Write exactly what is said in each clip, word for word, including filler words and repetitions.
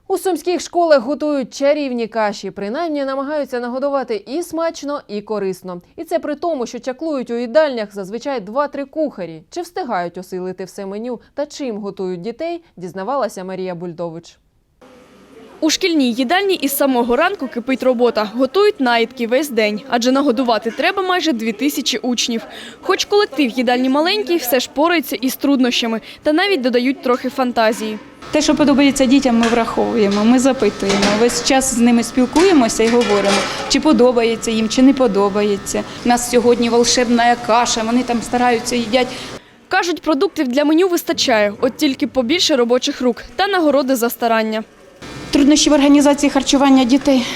У сумських школах готують чарівні каші. Принаймні намагаються нагодувати і смачно, і корисно. І це при тому, що чаклують у їдальнях зазвичай два-три кухарі. Чи встигають осилити все меню та чим готують дітей, дізнавалася Марія Бульдович. У шкільній їдальні із самого ранку кипить робота. Готують наїдки весь день, адже нагодувати треба майже дві тисячі учнів. Хоч колектив їдальні маленький, все ж порається із труднощами та навіть додають трохи фантазії. Те, що подобається дітям, ми враховуємо, ми запитуємо. Весь час з ними спілкуємося і говоримо, чи подобається їм, чи не подобається. У нас сьогодні волшебна каша, вони там стараються, їдять. Кажуть, продуктів для меню вистачає, от тільки побільше робочих рук та нагороди за старання. Труднощі в організації харчування дітей.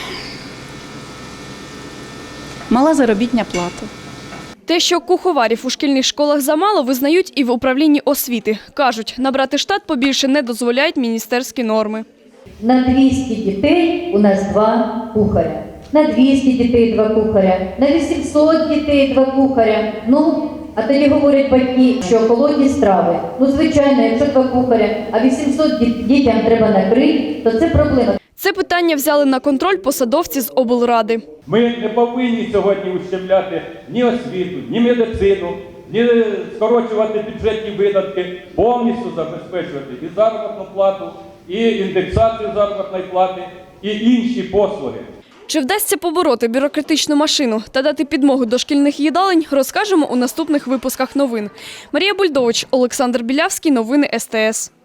Мала заробітна плата. Те, що куховарів у шкільних школах замало, визнають і в управлінні освіти. Кажуть, набрати штат побільше не дозволяють міністерські норми. На двісті дітей у нас два кухаря. На двісті дітей два кухаря. На вісімсот дітей два кухаря. Ну, а тоді говорять батьки, що холодні страви. Ну, звичайно, якщо два кухаря, а вісімсот дітям треба накрити, то це проблема. Це питання взяли на контроль посадовці з облради. Ми не повинні сьогодні ущемляти ні освіту, ні медицину, ні скорочувати бюджетні видатки, повністю забезпечувати і заробітну плату, і індексацію заробітної плати, і інші послуги. Чи вдасться побороти бюрократичну машину та дати підмогу до шкільних їдалень, розкажемо у наступних випусках новин. Марія Бульдович, Олександр Білявський, новини ес те ес.